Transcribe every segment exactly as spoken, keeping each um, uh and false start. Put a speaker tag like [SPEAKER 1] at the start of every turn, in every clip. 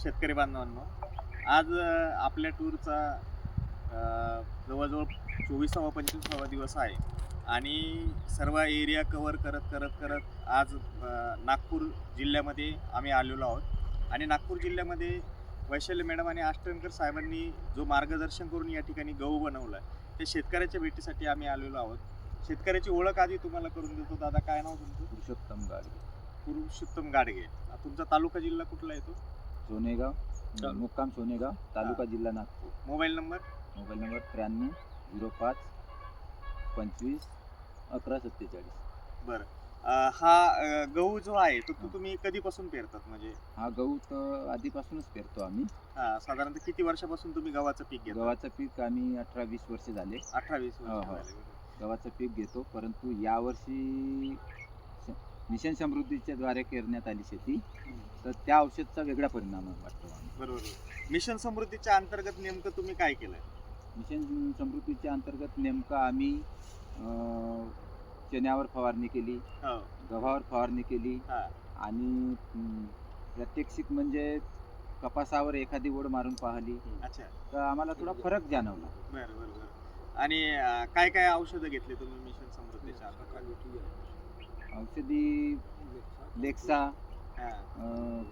[SPEAKER 1] शेतकरी बांधवांनो, आज अ, आपल्या टूरचा अ, जवळजवळ चोवीसावा पंचवीसावा दिवस आहे आणि सर्व एरिया कव्हर करत करत करत आज अ, नागपूर जिल्ह्यामध्ये आम्ही आलेलो आहोत. आणि नागपूर जिल्ह्यामध्ये वैशाली मॅडम आणि आष्टनकर साहेबांनी जो मार्गदर्शन करून या ठिकाणी गहू बनवला आहे, ते शेतकऱ्याच्या भेटीसाठी आम्ही आलेलो आहोत. शेतकऱ्याची ओळख आधी तुम्हाला करून देतो. दादा, काय नाव तुमचं?
[SPEAKER 2] पुरुषोत्तम गाडगे,
[SPEAKER 1] पुरुषोत्तम गाडगे. तुमचा तालुका जिल्हा कुठला येतो?
[SPEAKER 2] सोनेगाव, मुक्काम सोनेगाव, तालुका जिल्हा Nagpur.
[SPEAKER 1] Mobile number?
[SPEAKER 2] Mobile number त्र्याण्णव झिरो पाच पंचवीस अकरा सत्तेचाळीस.
[SPEAKER 1] बरं. अ, हा अ, गहू जो आहे तो तो तुम्ही कधीपासून पेरतात? म्हणजे
[SPEAKER 2] हा गहू तर आधीपासूनच पेरतो आम्ही.
[SPEAKER 1] हा, साधारणतः किती वर्षापासून तुम्ही गव्हाचं पीक घेता?
[SPEAKER 2] गव्हाचं पीक आम्ही अठरा वीस वर्ष झाले
[SPEAKER 1] अठरा वीस
[SPEAKER 2] हो,
[SPEAKER 1] वर्ष
[SPEAKER 2] हो.
[SPEAKER 1] झाले.
[SPEAKER 2] गव्हाचं पीक घेतो, परंतु यावर्षी स- मिशन समृद्धीच्या द्वारे करण्यात आली शेती, तर त्या औषधचा वेगळा परिणाम वाटतो आम्ही.
[SPEAKER 1] बरोबर. मिशन समृद्धीच्या अंतर्गत नेमकं तुम्ही काय केलंय?
[SPEAKER 2] मिशन समृद्धीच्या अंतर्गत नेमकं आम्ही अं, चण्यावर फवारणी केली,
[SPEAKER 1] हो.
[SPEAKER 2] गव्हावर फवारणी केली
[SPEAKER 1] हा.
[SPEAKER 2] आणि अं, प्रात्यक्षिक म्हणजे कपासावर एखादी ओढ मारून पाहिली,
[SPEAKER 1] अच्छा.
[SPEAKER 2] तर आम्हाला थोडा फरक जाणवला.
[SPEAKER 1] बरं बरं बरं. आणि अ, काय काय औषधं घेतली तुम्ही मिशन समृद्धीच्या अंतर्गत?
[SPEAKER 2] औषधी लेक्सा,
[SPEAKER 1] हा.
[SPEAKER 2] अं,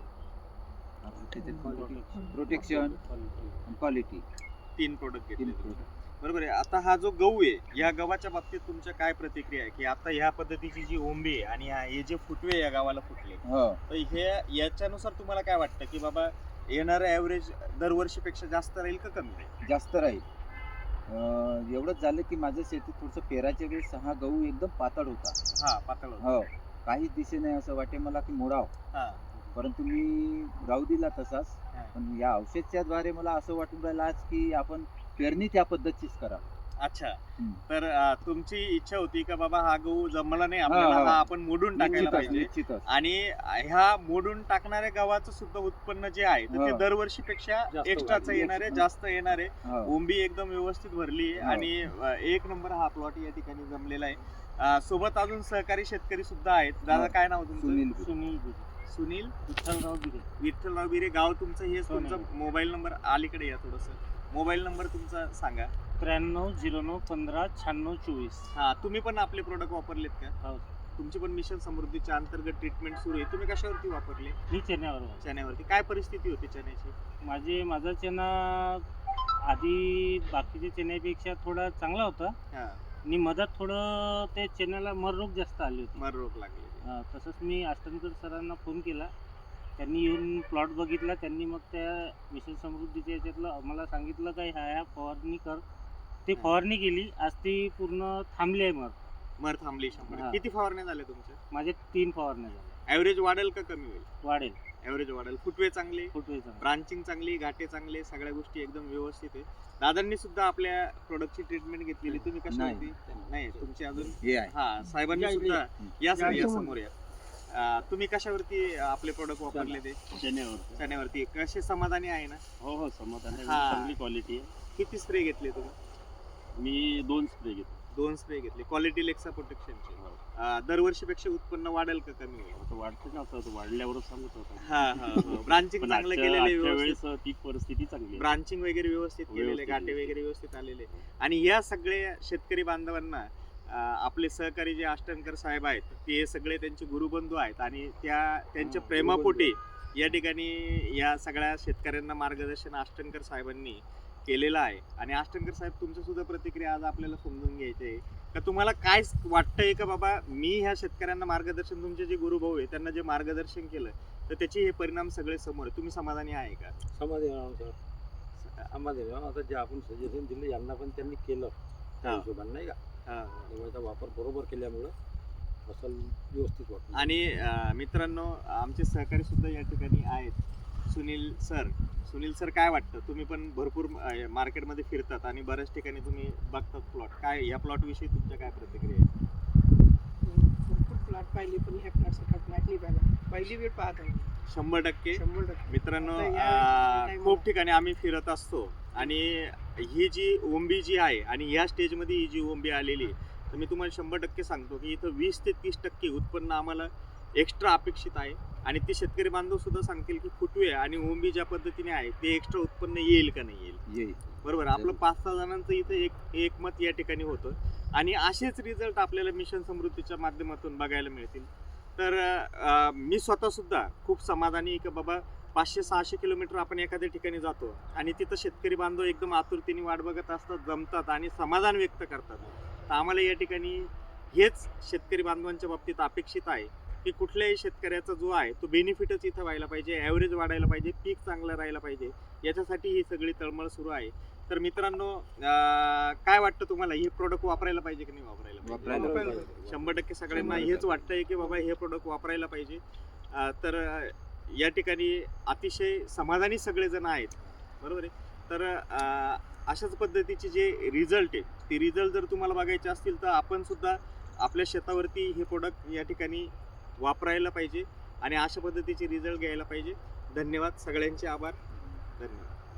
[SPEAKER 2] प्रोटेक्शन, क्वालिटी,
[SPEAKER 1] तीन प्रोडक्ट घेतले
[SPEAKER 2] तीन
[SPEAKER 1] तुम्ही.
[SPEAKER 2] product.
[SPEAKER 1] बरोबर आहे. आता हा जो गहू आहे, या गव्हाच्या बाबतीत तुमच्या काय प्रतिक्रिया आहे की आता ह्या पद्धतीची जी ओंबी आहे आणि हा- हे जे फुटवे या गावाला फुटले,
[SPEAKER 2] हो,
[SPEAKER 1] तर हे याच्यानुसार तुम्हाला काय वाटतं की बाबा येणारं ॲव्हरेज दरवर्षीपेक्षा जास्त राहील का कमी राहील?
[SPEAKER 2] जास्त राहील. अं, एवढंच झालं की माझं शेतीत थोडंसं पेराच्या वेळेस हा गहू एकदम पातळ होता.
[SPEAKER 1] हा, पातळ होतं.
[SPEAKER 2] हो, काहीच दिसे नाही, असं वाटे मला की मोडाव,
[SPEAKER 1] हा.
[SPEAKER 2] परंतु मी राहू दिला तसाच.
[SPEAKER 1] हा.
[SPEAKER 2] पण या औषधच्या द्वारे मला असं वाटून राहिलं आज की आपण पेरणी त्या पद्धतीच करा.
[SPEAKER 1] अच्छा.
[SPEAKER 2] हम्म.
[SPEAKER 1] तर अ, तुमची इच्छा होती का बाबा हा गहू जमला नाही आपल्याला,
[SPEAKER 2] हा, हा.
[SPEAKER 1] हा आपण मोडून टाकायला
[SPEAKER 2] निश्चितच
[SPEAKER 1] पाहिजे.
[SPEAKER 2] निश्चितच
[SPEAKER 1] आणि ह्या मोडून टाकणाऱ्या गव्हाचं सुद्धा उत्पन्न जे आहे तर ते
[SPEAKER 2] हो.
[SPEAKER 1] दरवर्षीपेक्षा एक्स्ट्राच
[SPEAKER 2] वाढेल.
[SPEAKER 1] येणार आहे, जास्त येणार आहे.
[SPEAKER 2] हो.
[SPEAKER 1] ओंबी एकदम व्यवस्थित भरली आहे
[SPEAKER 2] हो.
[SPEAKER 1] आणि अ, एक नंबर हा प्लॉट या ठिकाणी जमलेला आहे. अ, सोबत अजून सहकारी शेतकरी सुद्धा आहेत. दादा,
[SPEAKER 2] हो.
[SPEAKER 1] काय नाव तुमचं?
[SPEAKER 2] सुनील बिरे.
[SPEAKER 1] सुनील बिरे. सुनील
[SPEAKER 3] विठ्ठलराव बिरे.
[SPEAKER 1] विठ्ठलराव बिरे. गाव तुमचं हेच. तुमचा
[SPEAKER 3] सोनेगाव.
[SPEAKER 1] मोबाईल नंबर अलीकडे या थोडंसं. मोबाईल नंबर तुमचा सांगा.
[SPEAKER 3] त्र्याण्णव झिरो नऊ पंधरा शहाण्णव चोवीस.
[SPEAKER 1] हा, तुम्ही पण आपले प्रोडक्ट वापरलेत का?
[SPEAKER 3] हो.
[SPEAKER 1] तुमची पण मिशन समृद्धीच्या अंतर्गत ट्रीटमेंट सुरू आहे. तुम्ही कशावरती वापरले?
[SPEAKER 3] मी चेन्यावर आहे.
[SPEAKER 1] चण्यावरती. काय परिस्थिती होती चण्याची?
[SPEAKER 3] माझे माझा चेना आधी बाकीच्या चेन्यापेक्षा थोडा चांगला होता
[SPEAKER 1] हा,
[SPEAKER 3] आणि मधात थोडं ते चेन्याला मररोग जास्त आली होती.
[SPEAKER 1] मर रोग लागले.
[SPEAKER 3] अं, तसंच मी आष्टनकर सरांना फोन केला, त्यांनी येऊन प्लॉट बघितला. त्यांनी मग त्या मिशन समृद्धीच्या याच्यातलं आम्हाला सांगितलं काय ह्या ह्या फवारणी कर. ती फवारणी केली. आज ती पूर्ण थांबली आहे. मग
[SPEAKER 1] मर थांबली शंभर.
[SPEAKER 3] हा.
[SPEAKER 1] किती फवारण्या झाल्या तुमच्या?
[SPEAKER 3] माझे तीन फवारण्या झाल्या.
[SPEAKER 1] ऍव्हरेज वाढेल का कमी होईल?
[SPEAKER 3] वाढेल.
[SPEAKER 1] ऍव्हरेज वाढेल. फुटवे चांगले,
[SPEAKER 3] फुटवेचा
[SPEAKER 1] ब्रांचिंग चांगली, घाटे चांगले, सगळ्या गोष्टी एकदम व्यवस्थित आहे. दादांनी सुद्धा आपल्या प्रोडक्टची ट्रीटमेंट घेतलेली. तुम्ही कशावरती? नाही, तुमची अजून.
[SPEAKER 2] हे आहे.
[SPEAKER 1] हा, साहेबांनी
[SPEAKER 3] या इकडे
[SPEAKER 1] सुद्धा या सर या
[SPEAKER 3] या
[SPEAKER 1] समोर या. अं, तुम्ही कशावरती आपले प्रोडक्ट वापरले ते?
[SPEAKER 3] चेन्यावर.
[SPEAKER 1] चण्यावरती. कसे समाधानी आहे ना?
[SPEAKER 3] हो हो, समाधान आहे.
[SPEAKER 1] हा.
[SPEAKER 3] चांगली क्वालिटी आहे.
[SPEAKER 1] किती स्प्रे घेतले तुम्ही?
[SPEAKER 3] मी दोन स्प्रे घेतो.
[SPEAKER 1] दोन स्प्रे घेतले. क्वालिटी लेक्सा प्रोटेक्शनचे. दरवर्षीपेक्षा उत्पन्न वाढेल का कमी होईल?
[SPEAKER 3] आता वाढते ना, आता वाढल्यावरच सांगत होता.
[SPEAKER 1] हा हा. ब्रांचिंग
[SPEAKER 3] पण
[SPEAKER 1] चांगलं
[SPEAKER 3] आजच्या
[SPEAKER 1] केलेलं आहे,
[SPEAKER 3] आजच्या
[SPEAKER 1] व्यवस्थित.
[SPEAKER 3] वेळेस ती परिस्थिती चांगली आहे.
[SPEAKER 1] ब्रांचिंग वगैरे व्यवस्थित केलेले,
[SPEAKER 3] व्यवस्थित
[SPEAKER 1] घाटे
[SPEAKER 3] आहे.
[SPEAKER 1] वगैरे व्यवस्थित आलेले. आणि या सगळ्या शेतकरी बांधवांना अं, आपले सहकारी जे आष्टनकर साहेब आहेत, ते सगळे त्यांचे गुरुबंधू आहेत आणि त्या त्यांच्या
[SPEAKER 3] हा,
[SPEAKER 1] प्रेमापोटी या ठिकाणी या सगळ्या शेतकऱ्यांना मार्गदर्शन आष्टनकर साहेबांनी केलेलं आहे. आणि आष्टनकर साहेब, तुमच्या सुद्धा प्रतिक्रिया आज आपल्याला समजून घ्यायची आहे का तुम्हाला काय वाटतंय का बाबा मी ह्या शेतकऱ्यांना मार्गदर्शन, तुमचे जे गुरुभाऊ आहे त्यांना जे मार्गदर्शन केलं तर त्याचे हे परिणाम सगळे समोर आहे. तुम्ही समाधानी आहे का?
[SPEAKER 4] समाधान आम्हाला आता जे आपण सजेशन दिलं यांना पण त्यांनी केलं त्या
[SPEAKER 1] हा.
[SPEAKER 4] हिशोबाने, नाही का?
[SPEAKER 1] हा.
[SPEAKER 4] त्यामुळे त्याचा वापर बरोबर केल्यामुळं फसल व्यवस्थित वाटतं.
[SPEAKER 1] आणि अं, मित्रांनो, आमचे सहकारी सुद्धा या ठिकाणी आहेत. सुनील सर. सुनील सर, काय वाटतं? तुम्ही पण भरपूर अं, मार्केटमध्ये फिरतात आणि बऱ्याच ठिकाणी तुम्ही बघतात प्लॉट. काय या प्लॉट विषयी तुमच्या काय प्रतिक्रिया आहे?
[SPEAKER 5] भरपूर प्लॉट पाहिली, पण ह्या प्लॉटसारखा प्लॉट नाही पाहिला. पहिली वेळ पाहत आहे.
[SPEAKER 1] शंभर टक्के.
[SPEAKER 5] शंभर टक्के.
[SPEAKER 1] मित्रांनो,
[SPEAKER 5] आता या
[SPEAKER 1] अं,
[SPEAKER 5] time
[SPEAKER 1] खूप
[SPEAKER 5] ला-
[SPEAKER 1] ठिकाणी आम्ही फिरत असतो आणि ही जी ओंबी जी आहे आणि या स्टेजमध्ये ही जी ओंबी आलेली आहे, तर मी तुम्हाला शंभर टक्के सांगतो की इथं वीस ते तीस टक्के उत्पन्न आम्हाला एक्स्ट्रा अपेक्षित आहे आणि ते शेतकरी बांधव सुद्धा सांगतील की फुटवे आणि ओंबी ज्या पद्धतीने आहे ते एक्स्ट्रा उत्पन्न येईल का नाही येईल.
[SPEAKER 2] येईल.
[SPEAKER 1] बरोबर, आपलं पाच सहा जणांचं इथं एक एकमत या ठिकाणी होतं आणि असेच रिझल्ट आपल्याला मिशन समृद्धीच्या माध्यमातून बघायला मिळतील. तर अं, मी स्वतः सुद्धा खूप समाधानी की बाबा पाचशे सहाशे किलोमीटर आपण एखाद्या ठिकाणी जातो आणि तिथं शेतकरी बांधव एकदम आतुरतेने वाट बघत असतात, जमतात आणि समाधान व्यक्त करतात. तर आम्हाला या ठिकाणी हेच शेतकरी बांधवांच्या बाबतीत अपेक्षित आहे की कुठल्याही शेतकऱ्याचा जो आहे तो बेनिफिटच इथं व्हायला पाहिजे, ॲव्हरेज वाढायला पाहिजे, पीक चांगलं राहायला पाहिजे, याच्यासाठी ही सगळी तळमळ सुरू आहे. तर मित्रांनो, अं, काय वाटतं तुम्हाला, हे प्रोडक्ट वापरायला पाहिजे की नाही वापरायला पाहिजे?
[SPEAKER 2] वापरायला
[SPEAKER 4] पाहिजे.
[SPEAKER 1] शंभर टक्के सगळ्यांना
[SPEAKER 2] शंभर
[SPEAKER 1] हेच वाटतंय की बाबा हे प्रोडक्ट वापरायला पाहिजे. अं, तर अं, या ठिकाणी अतिशय समाधानी सगळेजण आहेत. बरोबर आहे. तर अं, अशाच पद्धतीचे जे रिझल्ट आहे ते रिझल्ट जर तुम्हाला बघायचे असतील तर आपण सुद्धा आपल्या शेतावरती हे प्रोडक्ट या ठिकाणी वापरायला पाहिजे आणि अशा पद्धतीचे रिझल्ट घ्यायला पाहिजे. धन्यवाद, सगळ्यांचे आभार. धन्यवाद.